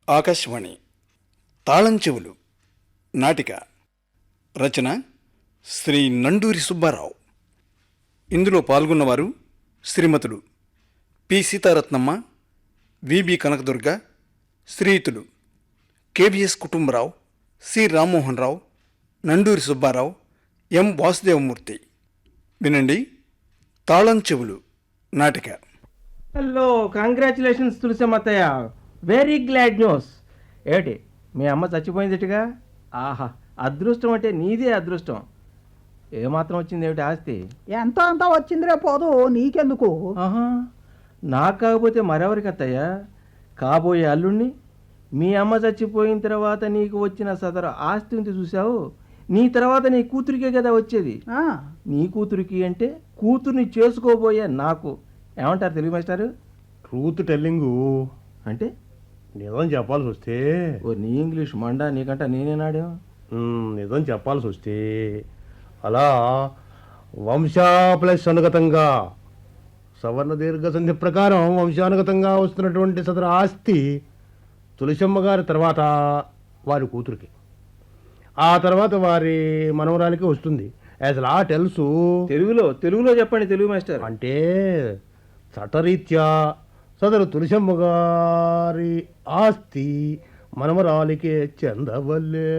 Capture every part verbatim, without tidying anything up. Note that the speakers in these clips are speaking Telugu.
ఆకాశవాణి తాళం చెవులు నాటిక రచన శ్రీ నండూరి సుబ్బారావు. ఇందులో పాల్గొన్నవారు శ్రీమతులు పి సీతారత్నమ్మ, విబి కనకదుర్గ, శ్రీయుతులు KVS Kutumbarao, C Rammohan Rao, Nanduri Subbarao, M Vasudevamurthy. వినండి తాళం చెవులు నాటిక. హలో, కంగ్రాచులేషన్స్ తులసమ్మత్తయ్య, వెరీ గ్లాడ్ న్యూస్. ఏమిటి మీ అమ్మ చచ్చిపోయిందిట్టుగా? ఆహా, అదృష్టం అంటే నీదే అదృష్టం. ఏమాత్రం వచ్చింది ఏమిటి ఆస్తి? ఎంత అంతా వచ్చిందిరే పోదు, నీకెందుకు? ఆహా, నాకు కాకపోతే మరెవరికి అత్తయ్య? కాబోయే అల్లుణ్ణి. మీ అమ్మ చచ్చిపోయిన తర్వాత నీకు వచ్చిన సదరు ఆస్తి ఉంది చూసావు, నీ తర్వాత నీ కూతురికే కదా వచ్చేది. ఆ, నీ కూతురికి అంటే కూతుర్ని చేసుకోబోయే నాకు. ఏమంటారు తెలుగు మాస్టారు? ట్రూత్ టెల్లింగు అంటే నిజం చెప్పాల్సి వస్తే, ఓ నీ ఇంగ్లీష్ మండా, నీకంట నేనేనాడే. మ్, నిజం చెప్పాల్సి వస్తే అలా వంశా ప్లస్ అనుగతంగా సవర్ణ దీర్ఘ సంధి ప్రకారం వంశానుగతంగా వస్తున్నటువంటి సదరు ఆస్తి తులసమ్మ గారి తర్వాత వారి కూతురికి, ఆ తర్వాత వారి మనవరానికి వస్తుంది. As law tells. తెలుగులో తెలుగులో చెప్పండి తెలుగు మాస్టర్. అంటే చట్టరీత్యా సదరు తులసమ్మ గారి ఆస్తి మనమరాలికే చెందవల్లే.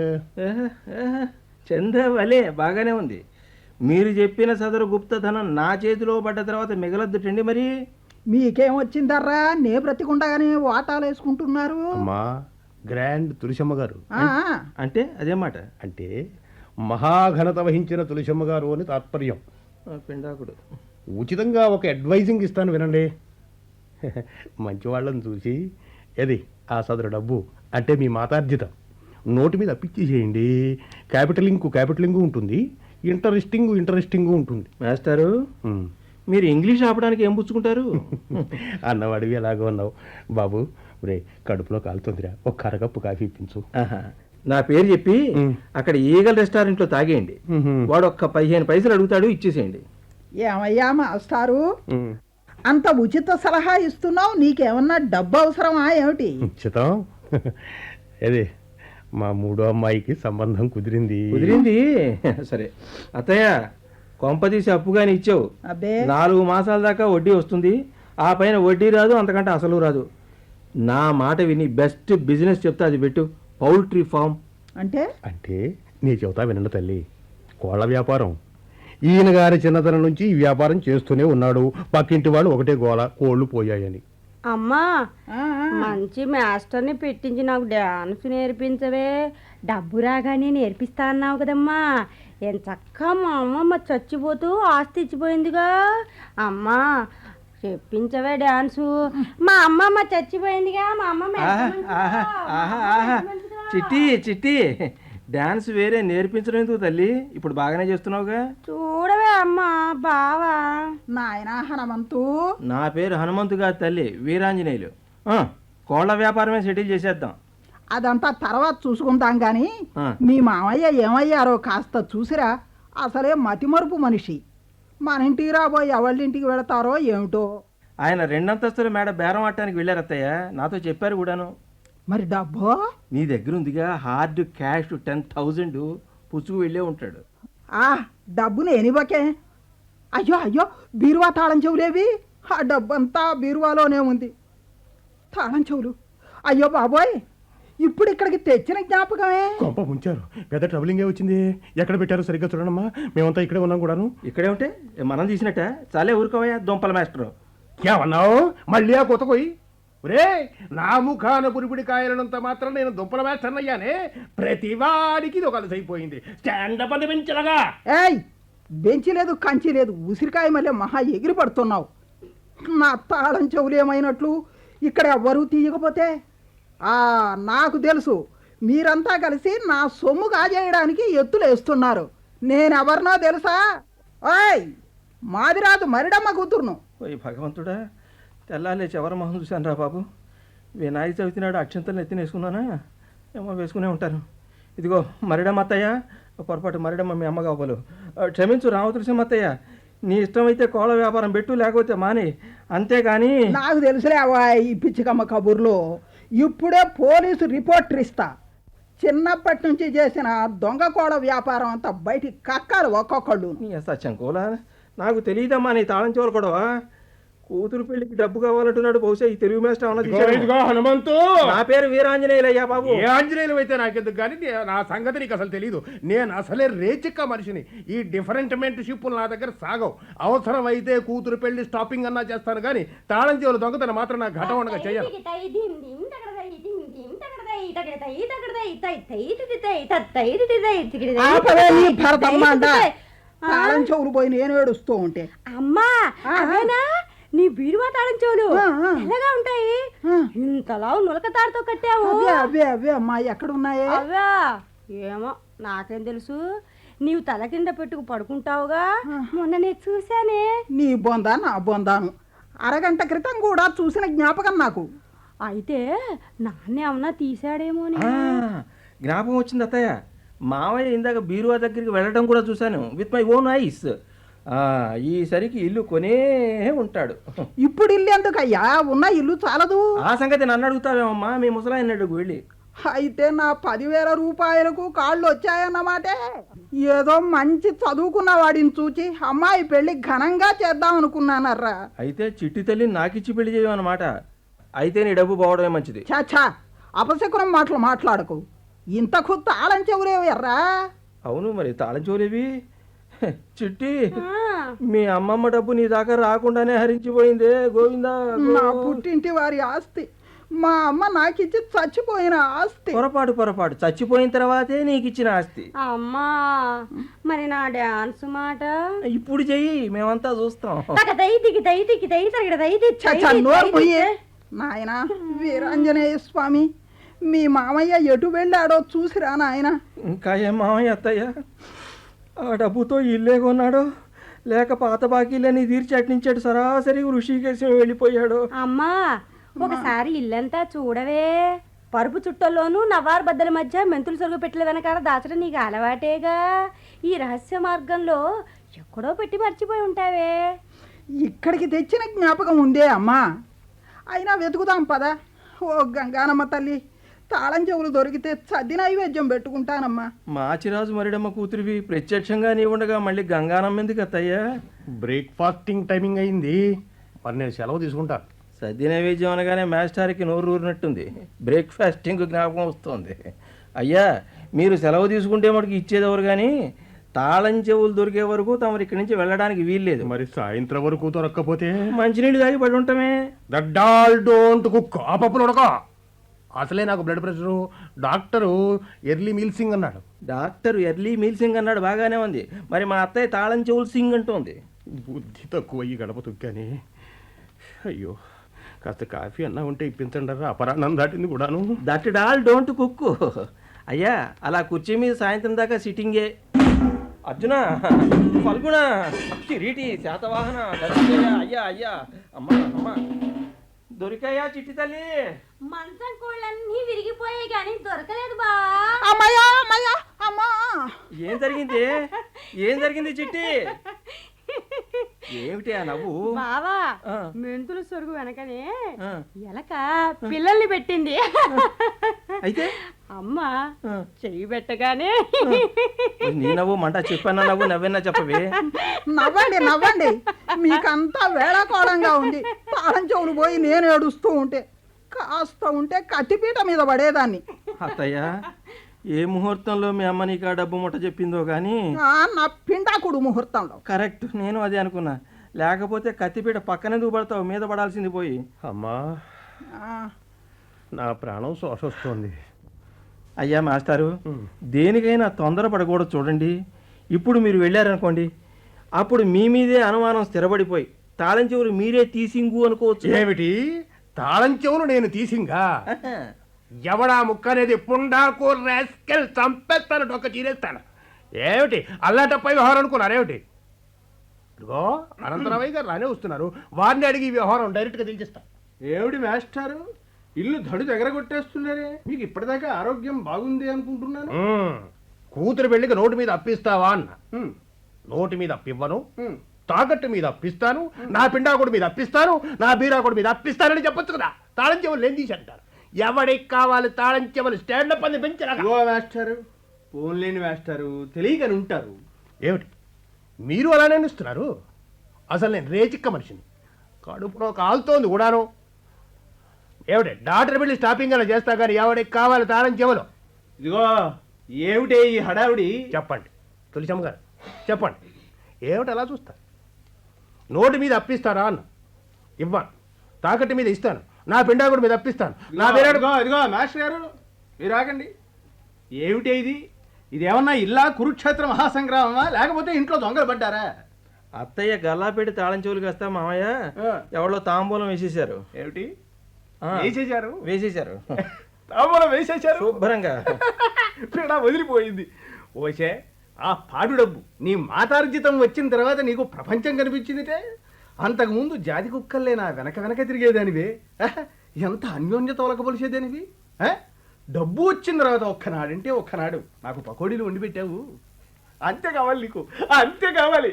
చందవలే బాగానే ఉంది. మీరు చెప్పిన సదరు గుప్తధనం నా చేతిలో పడ్డ తర్వాత మిగలద్దుటండి మరి. మీకేం వచ్చిందర్రా? నే బ్రతికుండగానే వాటాలు వేసుకుంటున్నారు. అమ్మా, గ్రాండ్ తులసమ్మ గారు ఆ, అంటే అదేమాట. అంటే మహాఘనత వహించిన తులసమ్మ గారు అని తాత్పర్యం. ఆ, పిండాకుడు. ఉచితంగా ఒక అడ్వైజింగ్ ఇస్తాను వినండి. మంచి వాళ్ళని చూసి ఏది ఆ సదరు డబ్బు అంటే మీ మాతార్జితం నోటి మీద అప్పిచ్చేసేయండి. క్యాపిటలింగ్ క్యాపిటలింగ్ ఉంటుంది, ఇంటరెస్టింగ్ ఇంటరెస్టింగ్ ఉంటుంది. మాస్టారు, ఉమ్. మీరు ఇంగ్లీష్ ఆపడానికి ఏం పుచ్చుకుంటారు? అన్నవాడివి ఎలాగో ఉన్నావు బాబు. రే, కడుపులో కాలుతుందిరా, ఒక కరగప్పు కాఫీ ఇప్పించు. ఆహా, నా పేరు చెప్పి మ్. అక్కడ ఈగల్ రెస్టారెంట్లో తాగేయండి. మ్మ్. వాడు ఒక్క పదిహేను పైసలు అడుగుతాడు, ఇచ్చేసేయండి. ఏమయ్యా మాస్టారు, ఉమ్. అంత ఉచిత సలహా ఇస్తున్నావు, నీకేమన్నా డబ్బు అవసరమా ఏమిటి? చిత్తం ఏది మా మూడో అమ్మాయికి సంబంధం కుదిరింది. కుదిరింది. సరే అత్తయ్య, కొంపదీసి అప్పుగాని ఇచ్చావు. అబ్బే, నాలుగు మాసాల దాకా వడ్డీ వస్తుంది, ఆ పైన వడ్డీ రాదు, అంతకంటే అసలు రాదు. నా మాట విని బెస్ట్ బిజినెస్ చెప్తే అది పెట్టు, పౌల్ట్రీ ఫామ్. అంటే అంటే నీ చెబుతా వినండి తల్లి. కోళ్ళ వ్యాపారం. ఈయన గారి చిన్నతనం నుంచి ఈ వ్యాపారం చేస్తూనే ఉన్నాడు. పక్కింటి వాళ్ళు ఒకటే గోల, కోళ్ళు పోయాయని. అమ్మా, ఆ, ఆ. మంచి మాస్టర్ని పెట్టించి నాకు డాన్స్ నేర్పించవే, డబ్బు రాగానే నేర్పిస్తా అన్నావు కదమ్మా. ఏం చక్క మా అమ్మమ్మ చచ్చిపోతూ ఆస్తి ఇచ్చిపోయిందిగా. అమ్మా చెప్పించవే డాన్సు. మా అమ్మమ్మ చచ్చిపోయిందిగా, మా అమ్మమ్మ ఎంత ఆహా, మంచిదో, ఆహా, మా ఆహా, అమ్మమ్మ ఆహా. ఎంత మంచిదో. చిట్టి చిట్టి, డాన్స్ వేరే నేర్పించడం ఎందుకు తల్లి? ఇప్పుడు బాగానే చేస్తున్నావుగా. చూడవే అమ్మా బావా. నాయనా హనుమంతు, నా పేరు హనుమంతు గారి తల్లి, వీరాంజనేయులు. ఆ, కోళ్ళ వ్యాపారమే సెటిల్ చేసేద్దాం. అదంతా తర్వాత చూసుకుందాం గాని ఆ. మీ మామయ్య ఏమయ్యారో కాస్త చూసిరా. అసలే మతిమరుపు మనిషి. మన ఇంటికి రాబోయి ఎవళ్ళింటికి వెళతారో ఏమిటో. ఆయన రెండంతస్తుల మేడ బేరం ఆడటానికి వెళ్ళారు అత్తయ్య, నాతో చెప్పారు కూడాను. మరి డబ్బు? నీ దగ్గర ఉందిగా హార్డ్ క్యాష్ టెన్ థౌజండ్, పుచ్చుకు వెళ్ళే ఉంటాడు. ఆ డబ్బు నేనివ్వకే. అయ్యో అయ్యో, బీరువా తాళం చెవులేవి? ఆ డబ్బంతా బీరువాలోనే ఉంది. తాళం చెవులు, అయ్యో బాబోయ్, ఇప్పుడు ఇక్కడికి తెచ్చిన జ్ఞాపకమే. కొంప ముంచారు, పెద్ద ట్రబులింగే వచ్చింది. ఎక్కడ పెట్టారు సరిగ్గా చూడమ్మా, మేమంతా ఇక్కడే ఉన్నాం కూడాను. ఇక్కడే ఉంటే మనం తీసినట్ట. చాలే ఊరుకోవయ్యా దొంపల మాస్టరు. ఏమన్నావు మళ్ళీ ఆ కొత్త పోయి? రే, నా ముఖాన పురిపిడి కాయలనంత మాత్రం నేను దుంపల వేస్తాను అయ్యానే. ప్రతి వాడికి ఇది ఒక అలసైపోయింది. స్టాండప్ అని పెంచలగా. ఏయ్, బెంచి లేదు కంచి లేదు, ఉసిరికాయ మళ్ళీ మహా ఎగిరి పడుతున్నావు. నా తాళం చెవులు ఏమైనట్లు ఇక్కడ ఎవ్వరూ తీయకపోతే? ఆ నాకు తెలుసు, మీరంతా కలిసి నా సొమ్ము కాజేయడానికి ఎత్తులు వేస్తున్నారు. నేనెవరినో తెలుసా? ఓయ్, మాదిరాజు మరిడమ్మ కూతురును. ఓయ్ భగవంతుడా, తెల్లాలే చివరి మొహం చూశాను రా బాబు. వినాయక చవితి నాడు అక్షంతలు ఎత్తినేసుకున్నానా ఏమో, వేసుకునే ఉంటాను. ఇదిగో మరిడమ్మ అత్తయ్య, పొరపాటు మరిడమ్మ మీ అమ్మ కావాలి, క్షమించు రామతులసమ్మ అత్తయ్య. నీ ఇష్టమైతే కోళ్ళ వ్యాపారం పెట్టు, లేకపోతే మాని, అంతేగాని. నాకు తెలుసులే అవ్వ ఈ పిచ్చికమ్మ కబుర్లు. ఇప్పుడే పోలీసు రిపోర్టర్ ఇస్తా. చిన్నప్పటి నుంచి చేసిన దొంగ కోడ వ్యాపారం అంతా బయటికి కక్కాలి ఒక్కొక్కళ్ళు. నీ సత్యం కోలా, నాకు తెలియదమ్మా నీ తాళం చెవులు కూడా. కూతురు పెళ్లికి డబ్బు కావాలంటున్నాడు. బహుశా ఈ తెలుగు మాస్టర్ ఏమన్నా తీశాడేమో. ఇదిగో హనుమంతు, నా పేరు వీరాంజనేయులయ్యా బాబు. ఏ ఆంజనేయులు అయితే నాకెందుకు కానీ నే- నా సంగతి నీకు అసలు తెలీదు. నేను అసలే రేచిక్క మనిషిని. ఈ డిఫరెంట్మెంట్ షిప్పులు నా దగ్గర సాగవు. అవసరం అయితే కూతురు పెళ్లి స్టాపింగ్ అన్నా చేస్తాను కానీ తాళం చెవులు దొంగతనం మాత్రం నాకు ఘటం ఉండగా చెయ్యను. ఆపవే నీ భరతమ్మంట. తాళం చెవులు పోయి నేను ఏడుస్తూ ఉంటే. అమ్మా అవేనా నీ బీరువా తాళం చెవులు? ఆ, ఆ. ఎలాగా ఉంటాయి? ఆ. ఇంతలా నులక తాడుతో కట్టావు. అవే అవే అవే అమ్మా, ఎక్కడున్నాయే? అవా ఏమో నాకేం తెలుసు. నీవు తల కింద పెట్టుకు పడుకుంటావుగా, మొన్న నేను చూశానే. నీ బొందా నా బొందాను. అరగంట క్రితం కూడా చూసిన జ్ఞాపకం నాకు. అయితే నాన్న ఏమన్నా తీసాడేమో అని. ఆ, జ్ఞాపకం వచ్చింది అత్తయ్య. మావయ్య ఇందాక బీరువా దగ్గరికి వెళ్ళడం కూడా చూశాను విత్ మై ఓన్ ఐస్. ఈసరికి ఇల్లు కొనే ఉంటాడు. ఇప్పుడు ఇల్లు ఎందుకయ్యా, ఉన్న ఇల్లు చాలదు. ఆ సంగతి నన్ను అడుగుతావేమమ్మా, మీ ముసలాయన అడుగు వెళ్ళి. అయితే నా పదివేల రూపాయలకు కాళ్ళు వచ్చాయన్నమాటే. ఏదో మంచి చదువుకున్న వాడిని చూచి అమ్మాయి పెళ్లి ఘనంగా చేద్దాం అనుకున్నానర్రా. అయితే చిట్టి తల్లిని నాకిచ్చి పెళ్లి చేయమన్నమాట. అయితే నీ డబ్బు పోవడమే మంచిది. చాచా, అపశకునం మాటలు మాట్లాడకు. ఇంతకు తాళం చెవులేవర్రా? అవును మరి తాళం చెవులేవి. చిట్టి, ఆ, మీ అమ్మమ్మ డబ్బు నీ దాకా రాకుండానే హరించిపోయిందే గోవిందా. నా పుట్టింటి వారి ఆస్తి, మా అమ్మ నాకిచ్చి చచ్చిపోయిన ఆస్తి. పొరపాటు పొరపాటు చచ్చిపోయిన తర్వాతే నీకు ఇచ్చిన ఆస్తి. అమ్మా మరి నా డాన్స్ మాట ఇప్పుడు చెయ్యి, మేమంతా చూస్తాం. తగదై దిగిదై దిగిదై తగడదై చచ్చా, నోరు పోయే నాయనా. వీరాంజనేయ స్వామి, మీ మామయ్య ఎటు వెళ్ళాడో చూసిరా నాయన. ఇంకా ఏం మామయ్య అత్తయ్య, ఆ డబ్బుతో ఇల్లే కొన్నాడో లేక పాత బాకీలని తీర్చి అట్నించాడు సరాసరి ఋషికేశం వెళ్ళిపోయాడు. అమ్మా ఒకసారి ఇల్లంతా చూడవే. పరుపు చుట్టల్లోనూ నవారు బద్దల మధ్య మెంతులు సొరుగు పెట్టెల వెనకాల దాచడం నీకు అలవాటేగా. ఈ రహస్య మార్గంలో ఎక్కడో పెట్టి మర్చిపోయి ఉంటావే. ఇక్కడికి తెచ్చిన జ్ఞాపకం ఉందే అమ్మా. అయినా వెతుకుదాం పదా. ఓ గంగానమ్మ తల్లి, తాళం చెవులు దొరికితే సద్ది నైవేద్యం పెట్టుకుంటానమ్మా. మాచిరాజు మరిడమ్మ కూతురివి ప్రత్యక్షంగా నీ ఉండగా మళ్ళీ గంగానమ్మ ఎందుకు అత్తయ్యా? బ్రేక్ఫాస్టింగ్ టైమింగ్ అయింది, మరి నేను సెలవు తీసుకుంటా. సద్ది నైవేద్యం అనగానే మాస్టర్కి నోరు ఊరినట్టుంది. బ్రేక్ఫాస్టింగ్ జ్ఞాపకం వస్తుంది. అయ్యా మీరు సెలవు తీసుకుంటే మటుకు ఇచ్చేదెవరు కానీ తాళం చెవులు దొరికే వరకు తమరు ఇక్కడి నుంచి వెళ్ళడానికి వీల్లేదు. మరి సాయంత్రం వరకు దొరక్కపోతే మంచినీళ్ళు తాగి పడి ఉంటామే. దడ్డాల్ డోంట్ కుక్. ఆ పప్పులు ఉడక. అసలే నాకు blood pressure. Doctor early meal సింగ్ అన్నాడు. డాక్టర్ ఎర్లీ మీల్ సింగ్ అన్నాడు, బాగానే ఉంది. మరి మా అత్తయ్య తాళం చెవులు సింగ్ అంటుంది. బుద్ధి తక్కువ ఈ గడప తొక్కాని. అయ్యో, కాస్త కాఫీ అన్నా ఉంటే ఇప్పించండి రా. అపరాన్నం దాటింది కూడాను. That dal don't cook. అయ్యా అలా కుర్చీ మీద సాయంత్రం దాకా సిట్టింగే. అర్జున, ఫల్గుణ, కిరీటి, శాతవాహన, దర్శనయ్య, అయ్యా అయ్యా, అమ్మా అమ్మా, దొరికాయా చిట్టి తల్లి? మంచం కోళ్ళన్నీ విరిగిపోయాయి కానీ దొరకలేదు బా. అమ్మయ్యా అమ్మయ్యా అమ్మా. ఏం జరిగింది? ఏం జరిగింది చిట్టి? ఏమిటి ఆ నవ్వు? బావా ఆ. మెంతులు సొరుగు వెనకనే ఆ. ఎలక పిల్లల్ని పెట్టింది. అయితే అమ్మ ఆ. చెయ్యి పెట్టగానే నీ నవ్వు మంట, చెప్పన్నా నవ్వు నవ్వన్నా చెప్పవే. నవ్వండి నవ్వండి, మీకంతా వేళాకోళంగా ఉంది. తాళం చెవులు పోయి నేను ఏడుస్తూ ఉంటే కాస్త ఉంటే కత్తిపీట మీద పడేదాన్ని. అత్తయ్య ఏ ముహూర్తంలో మీ అమ్మ నీకు ఆ డబ్బు ముట్ట చెప్పిందో కానీ ఆ, నా పిండాకుడు ముహూర్తంలో. కరెక్ట్, నేను అదే అనుకున్నా. లేకపోతే కత్తిపీట పక్కనే దూపడతావు, మీద పడాల్సింది పోయి. అమ్మా, ఆ, నా ప్రాణం శోషొస్తోంది. అయ్యా మాస్టారు, దేనికైనా తొందర పడకూడదు చూడండి. ఇప్పుడు మీరు వెళ్ళారనుకోండి, అప్పుడు మీ మీదే అనుమానం స్థిరపడిపోయి తాళం చెవులు మీరే తీసింగు అనుకోవచ్చు. ఏమిటి తాళం చెవులు నేను తీసింగా? ఎవడా ముక్క అనేది పుండాకు రాస్కెల్ చంపేస్తాను, డొక్క చీరేస్తాను. ఏమిటి అల్లాటప్పై వ్యవహారం అనుకున్నారేమిటి? ఇదిగో అనంతరామయ్య గారు రానే వస్తున్నారు, వారిని అడిగి ఈ వ్యవహారం డైరెక్ట్గా తెలిసిస్తా. ఏమిటి మాస్టారు, ఇల్లు దడు దగ్గరగొట్టేస్తున్నారే? మీకు ఇప్పటిదాకా ఆరోగ్యం బాగుంది అనుకుంటున్నాను. మ్మ్. కూతురు పెళ్లికి నోటు మీద అప్పిస్తావా అన్న. నోటు మీద అప్పివ్వను, తాకట్టు మీద అప్పిస్తాను, నా పిండాకుడి మీద అప్పిస్తాను, నా బీరాకుడి మీద అప్పిస్తానని చెప్పొచ్చు కదా. తాళం చెవులు ఏం తీసి అంటారు. ఎవడికి కావాలి తాళం చెవులు స్టాండప్ అని పెంచరా ఇదిగో మాస్టారు, ఫోన్ లేని మాస్టారు, తెలియకని ఉంటారు. ఏమిటి మీరు అలానే ఇస్తున్నారు? అసలు నేను రేచిక్క మనిషిని, కడుపులో కాలుతోంది కూడాను. ఏమిటి డాక్టర్ బిల్లు స్టాపింగ్ అలా చేస్తా కానీ ఎవడికి కావాలి తాళం చెవులు? ఇదిగో ఏమిటే ఈ హడావుడి? చెప్పండి తులసమ్మ గారు, చెప్పండి ఏమిటి అలా చూస్తారు? నోటి మీద అప్పిస్తారా అన్న, ఇవ్వను. తాకట్టు మీద ఇస్తాను, నా పిండాకుడి మీద అప్పిస్తాను. నా ఇదిగో, పేరు ఇదిగో ఇదిగో మాస్టర్ గారు, మీరు ఆగండి. ఏమిటే ఇది? ఇది ఏమన్నా ఇల్లా కురుక్షేత్ర మహాసంగ్రామమా, లేకపోతే ఇంట్లో దొంగలు పడ్డారా? అత్తయ్య గల్లాపెట్టి తాళం చెవులు కాస్తా మామయ్య ఆ. ఎవరో తాంబూలం వేసేశారు. ఏమిటి ఆ, వేసేశారు? వేసేశారు తాంబూలం వేసేశారు, శుభ్రంగా. పీడ వదిలిపోయింది. ఓసే, ఆ పాడు డబ్బు నీ మాతార్జితం వచ్చిన తర్వాత నీకు ప్రపంచం కనిపించిందిటే. అంతకుముందు జాతి కుక్కల్లే నా వెనక వెనక తిరిగేదానివే. ఆహ్, ఎంత అన్యోన్యత ఒలకబొలిసేదానివి. ఆ? డబ్బు వచ్చిన తర్వాత ఒక్కనాడంటే ఒక్కనాడు నాకు పకోడీలు వండి పెట్టావు. అంతే కావాలి నీకు, అంతే కావాలి.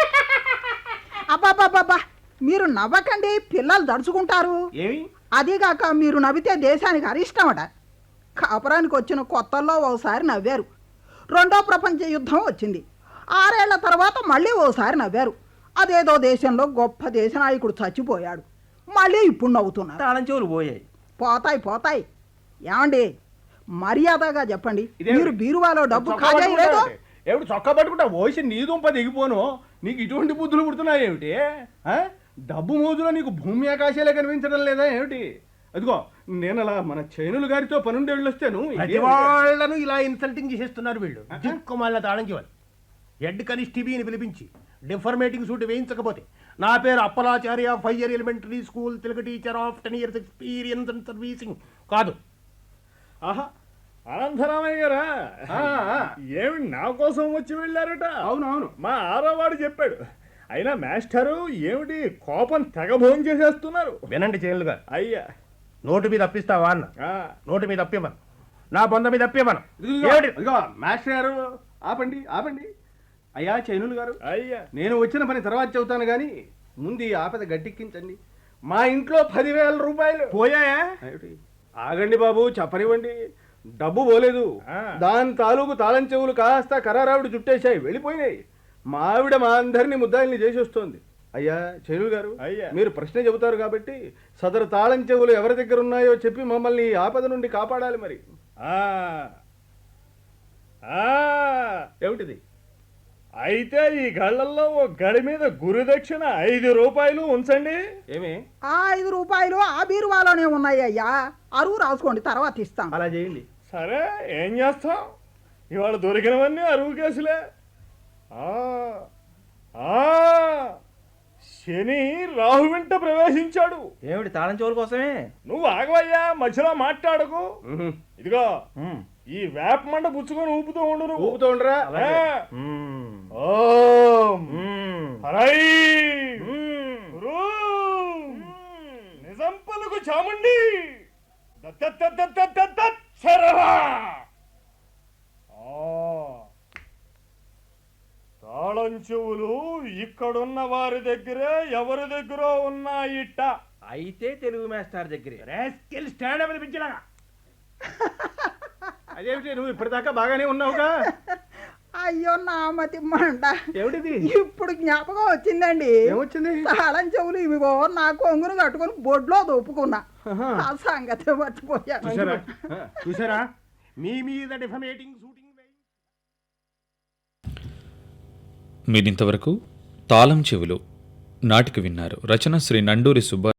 అబ్బాబ్బాబ్బా, మీరు నవ్వకండి, పిల్లలు దడుచుకుంటారు. ఏమి? అదీగాక మీరు నవ్వితే దేశానికి అరిష్టమట. కాపురానికి వచ్చిన కొత్తల్లో ఓసారి నవ్వారు, రెండో ప్రపంచ యుద్ధం వచ్చింది, ఆరేళ్ల తర్వాత మళ్ళీ ఓసారి నవ్వారు. అదేదో దేశంలో గొప్ప దేశ నాయకుడు చచ్చిపోయాడు, మళ్ళీ ఇప్పుడు నవ్వుతున్నారు. తాళం చెవులు పోయాయి. పోతాయి పోతాయి. ఏమండి మర్యాదగా చెప్పండి, ఇదేమిటి? మీరు బీరువాలో డబ్బు చొక్కా ఖాళీ లేదు? పట్టుకుంటావు ఏంటి? ఏమిటి చొక్కా పట్టుకుంటా ఓసి నీ దుంప దిగిపోను. నీకు ఇటువంటి బుద్ధులు పుడుతున్నాయి ఏమిటి? ఆ? డబ్బు మోజులో నీకు భూమి ఆకాశాలే కనిపించడం లేదా ఏమిటి? అదిగో నేను అలా మన చైనులు గారితో పనుండి వెళ్ళొస్తాను. ప్రతి వాళ్ళను ఇలా ఇన్సల్టింగ్ చేసేస్తున్నారు వీళ్ళు. దిక్కుమాలిన తాళం చెవులు. హెడ్ కనిస్టిబీని పిలిపించి డిఫర్మేటింగ్ సూట్ వేయించకపోతే నా పేరు Appalacharya, five year elementary school Telugu teacher of ten years experience and servicing కాదు. ఆహా, అనంతరామయ్య గారా, ఆ, ఆ. ఏమి నా కోసం వచ్చి వెళ్ళారట? అవునవును. మా ఆరవాడు చెప్పాడు. అయినా మాస్టరు ఏమిటి కోపం తెగ భోజనం చేసేస్తున్నారు? వినండి చైన్లు గారు, అయ్యా, నోటు మీద అప్పిస్తావా అన్న, ఆ, నోటు మీద అప్పివ్వను, నా బొంద మీద అప్పివ్వను. ఇదిగో, ఏమిటి? ఇదిగో మాస్టర్ గారు, ఆపండి ఆపండి. అయ్యా చైనులు గారు, అయ్యా, నేను వచ్చిన పని తర్వాత చెబుతాను కానీ ముందు ఈ ఆపద గట్టెక్కించండి. మా ఇంట్లో పదివేల రూపాయలు పోయాయా? ఏమిటి? ఆగండి బాబు, చెప్పనివ్వండి. డబ్బు పోలేదు, ఆ. దాని తాలూకు తాళం చెవులు కాస్త కరారావిడి చుట్టేశాయి, వెళ్ళిపోయినాయి. మా ఆవిడ మా అందరినీ ముద్దాయిల్ని చేసి వస్తోంది. అయ్యా చైనులు గారు, అయ్యా. మీరు ప్రశ్న చెబుతారు కాబట్టి సదరు తాళం చెవులు ఎవరి దగ్గర ఉన్నాయో చెప్పి మమ్మల్ని ఈ ఆపద నుండి కాపాడాలి. మరి ఆ, ఆ, ఏమిటిది? అయితే ఈ గళ్ళల్లో ఓ గడి మీద గురుదక్షిణ ఐదు రూపాయలు ఉంచండి. ఏమి? ఆ ఐదు రూపాయలు ఆ బీరువాలోనే ఉన్నాయి అయ్యా, అరువు రాసుకోండి, తర్వాత ఇస్తాం. అలా చేయండి. సరే, ఏం చేస్తాం? ఇవాళ దొరికినవన్నీ అరువు కేసులే. ఆ, ఆ, శని రాహు వెంట ప్రవేశించాడు. ఏమిటి తాళం చెవుల కోసమే? నువ్వు ఆగవయ్యా, మధ్యలో మాట్లాడకు. ఉహు. ఇదిగో ఉమ్, ఈ వేప మండ పుచ్చుకొని ఊపుతూ ఉండు నువ్వు. ఊపుతూ ఉండరా? ఆ. ఉమ్, ఓం ఉమ్, హరై ఉమ్. హ్రూం. నిజం పలుకు చాముండి దత్తత్తత్తత్తత్తత్ శరవా. ఆ. తాళం చెవులు ఇక్కడున్న వారి దగ్గరే ఎవరి దగ్గర ఉన్నాయిట. అయితే తెలుగు మాస్టర్ దగ్గరే. రాస్కెల్ స్టాండ్ అప్ పిలిపించలాగా. అదేమిటి, నువ్వు ఇప్పటిదాకా బాగానే ఉన్నావుగా? అయ్యో నా మతి మంట, ఏమిటిది? ఇప్పుడు జ్ఞాపకం వచ్చిందండి. ఏమొచ్చింది? తాళం చెవులు ఇవిగో నా కొంగును కట్టుకుని బొడ్లో దొప్పుకున్నా, ఆహా. ఆ సంగతి మర్చిపోయాను. చూసారా చూసారా మీ మీద డిఫమేటింగ్ షూటింగ్. మీరింతవరకు తాళం చెవులు నాటిక విన్నారు. రచన శ్రీ నండూరి సుబ్బారావు.